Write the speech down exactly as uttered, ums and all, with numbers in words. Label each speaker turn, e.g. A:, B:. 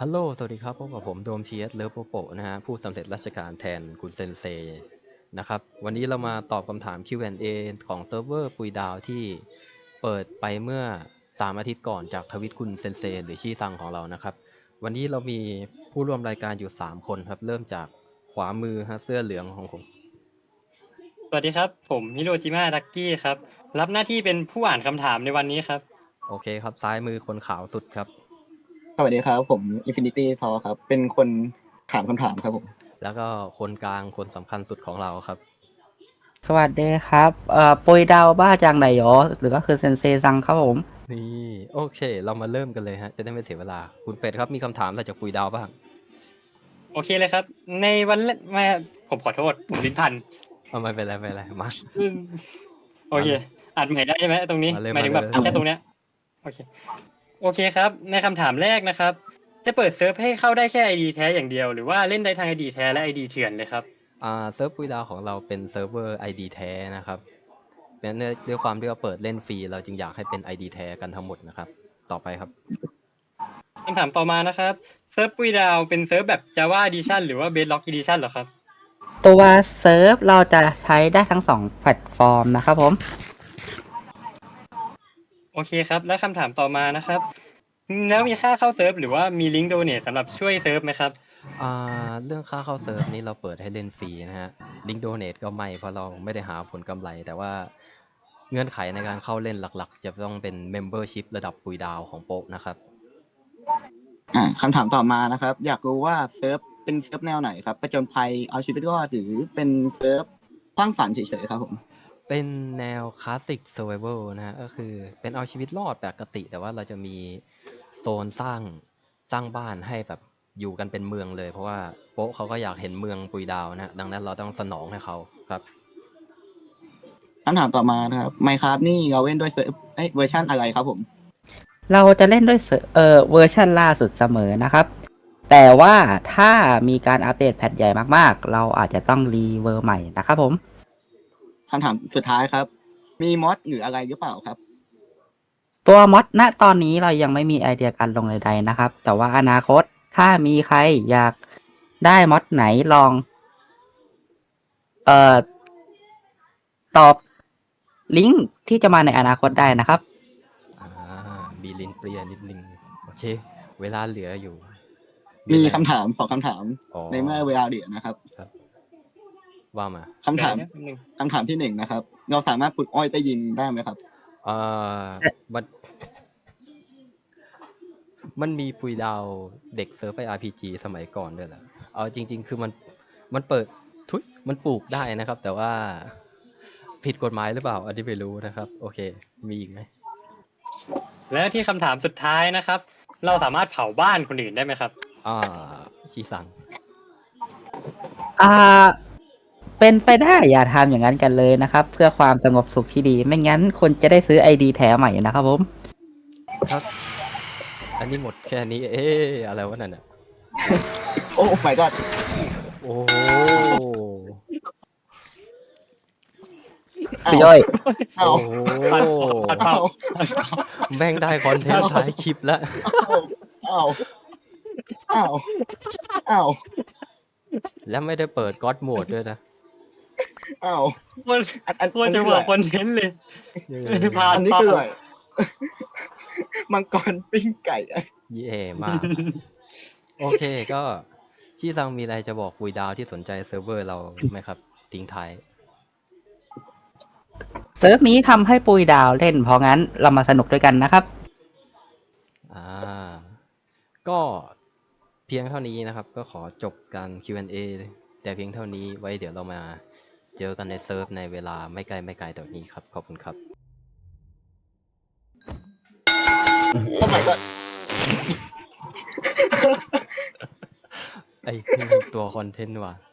A: ฮัลโหลสวัสดีครับพบกับผมโดมทีเอสเลิฟโปโปนะฮะผู้สำเร็จราชการแทนคุณเซนเซนะครับวันนี้เรามาตอบคำถาม คิว แอนด์ เอ ของเซิร์ฟเวอร์ปุยดาวที่เปิดไปเมื่อสามอาทิตย์ก่อนจากทวิตคุณเซนเซหรือชี่ซังของเรานะครับวันนี้เรามีผู้ร่วมรายการอยู่สามคนครับเริ่มจากขวามือฮะเสื้อเหลืองของผม
B: สวัสดีครับผมฮิโรจิมะดักกี้ครับรับหน้าที่เป็นผู้อ่านคำถามในวันนี้ครับ
A: โอเคครับซ้ายมือคนขาวสุดครับ
C: สวัสดีครับผม Infinity s o ครับเป็นคนถามคำถามครับผม
A: แล้วก็คนกลางคนสำคัญสุดของเราครับ
D: สวัสดีครับเอ่อปุยดาวบ้าจังไหนหรอหรือก็คือเซนเซซังครับผม
A: นี่โอเคเรามาเริ่มกันเลยฮะจะได้ไม่เสียเวลาคุณเป็ดครับมีคำถามอะไรจากปุยดาวบ้าง
B: โอเคเลยครับ ในวันแรกมาผมขอโทษผมลิ้นพัน
A: เอาไม่เป็นไรไม่เป็นไรมา
B: อืมโอเคอ่านใหม่ได้ใช่ไหมตรงนี้
A: มาเลย
B: หมายถึงแบบ
A: มาเลย
B: แค่ตรงเนี้ยโอเคโอเคครับ ในคำถามแรกนะครับ จะเปิดเซิร์ฟให้เข้าได้แค่ ไอ ดี แท้อย่างเดียวหรือว่าเล่นได้ทั้ง ไอ ดี แท้และ ไอ ดี เถื่อนเลยครับ
A: อ่าเซิร์ฟปุยดาวของเราเป็นเซิร์ฟเวอร์ ไอ ดี แท้นะครับเพราะฉะนั้นด้วยความที่ว่าเปิดเล่นฟรีเราจึงอยากให้เป็น ไอ ดี แท้กันทั้งหมดนะครับต่อไปครับ
B: คำถามต่อมานะครับเซิร์ฟปุยดาวเป็นเซิร์ฟแบบ Java Edition หรือว่า Bedrock Edition เหรอครับ
D: ตัวเซิร์ฟเราจะใช้ได้ทั้งสองแพลตฟอร์มนะครับผม
B: โอเคครับ แล้วคำถามต่อมานะครับ แล้วมีค่าเข้าเซิร์ฟหรือว่ามีลิงก์โดเนทสำหรับช่วยเซิร์ฟไหมครับ
A: อ่าเรื่องค่าเข้าเซิร์ฟนี้เราเปิดให้เล่นฟรีนะฮะลิงก์โดเนทก็ไม่เพราะเราไม่ได้หาผลกำไร แต่ว่าเงื่อนไขในการเข้าเล่นหลักๆ จะต้องเป็น Membership ระดับปุยดาวของโป๊ะนะครับ
C: อ่าคำถามต่อมานะครับ อยากรู้ว่าเซิร์ฟเป็นเซิร์ฟแนวไหนครับประจนภัยเอาชีวิตรอดหรือเป็นเซิร์ฟสร้างสรรค์เฉยๆครับผม
A: เป็นแนวคลาสสิกเซอร์ไวเวลนะฮะก็คือเป็นเอาชีวิตรอดปกติ แต่ว่าเราจะมีโซนสร้างสร้างบ้านให้แบบอยู่กันเป็นเมืองเลย เพราะว่าโป๊ะเขาก็อยากเห็นเมืองปุยดาวนะฮะดังนั้นเราต้องสนองให้เขาครับ
C: คำถามต่อมานะครับ Minecraft นี่เราเล่นด้วยเซิร์ฟเอ้ยเวอร์ชันอะไรครับผม
D: เราจะเล่นด้วยเซิร์ฟเอ่อเวอร์ชันล่าสุดเสมอนะครับ แต่ว่าถ้ามีการอัปเดตแพทใหญ่มากๆ เราอาจจะต้องรีเวอร์ใหม่นะครับผม
C: คำถามสุดท้ายครับ มีมอดหรืออะไรหรือเปล่าครับ
D: ตัวมอดณตอนนี้เรายังไม่มีไอเดียการลงใดๆนะครับ แต่ว่าอนาคตถ้ามีใครอยากได้มอดไหนลอง เอ่อ ตอบลิงก์ที่จะมาในอนาคตได้นะครับ
A: อ่ามีลิ้นเปรี้ยนิดนึงโอเค เวลาเหลืออยู่
C: มี
A: อะไร
C: คำถามสองคำถาม
A: อ๋อ
C: ในเมื่อเวลาเหลือนะครับ
A: ว่ามา
C: คำถาม
B: เดี๋ยวนะแป๊บนึง
C: คำถามที่หนึ่งนะครับ เราสามารถปลูกอ้อยใต้ดินได้ไหมครับ
A: เอ่อมัน มันมีปุยดาวเด็กเซิร์ฟไป อาร์ พี จี สมัยก่อนด้วยแหละเอาจริง ๆ คือมันมันเปิดทุยมันปลูกได้นะครับ แต่ว่าผิดกฎหมายหรือเปล่าอันนี้ไม่รู้นะครับ โอเค มีอีกไหม
B: แล้วที่คำถามสุดท้ายนะครับ เราสามารถเผาบ้านคนอื่นได้ไหมครับ
A: อ่าชีสัง
D: อ่า เป็นไปได้อย่าทำอย่างนั้นกันเลยนะครับ เพื่อความสงบสุขที่ดี ไม่งั้นคนจะได้ซื้อไอดีแถมใหม่นะครับผม
A: ครับ อันนี้หมดแค่นี้ เอ๊ะอะไรวะนั่นอ่ะ
C: โอ้ my god
A: โอ้
D: คือย่อย
C: เอา
A: โอ้
B: ปัดปัดเป่า
A: แม่งได้คอนเทนต์ท้ายคลิปแล้ว
C: เอาเอาเอา
A: แล้วไม่ได้เปิดก็อดโหมดด้วยนะ
C: เอา
B: คน
C: อันอัน
B: ควรจะ
C: คื
B: บอก
C: ไร
B: คอนเทนต์เลย
A: เย้
B: พา
C: อันนี้คืออะไรมังกรปิ้งไก่
A: เย่มาก โอเคก็ชี่ซังมีอะไรจะบอกปุยดาวที่สนใจเซิร์ฟเวอร์เราไหมครับ ทิ้งท้าย
D: เซิร์ฟนี้ทำให้ปุยดาวเล่น เพราะงั้นเรามาสนุกด้วยกันนะครับ
A: อ่า ก็เพียงเท่านี้นะครับ ก็ขอจบการ คิว แอนด์ เอ แต่เพียงเท่านี้ไว้เดี๋ยวเรามาเจอกันในเซิร์ฟในเวลาไม่ไกลไม่ไกลต่อนี้ครับ ขอบคุณครับ
C: โอ้ my god
A: ไอ้นี่มันตัวคอนเทนต์ว่ะ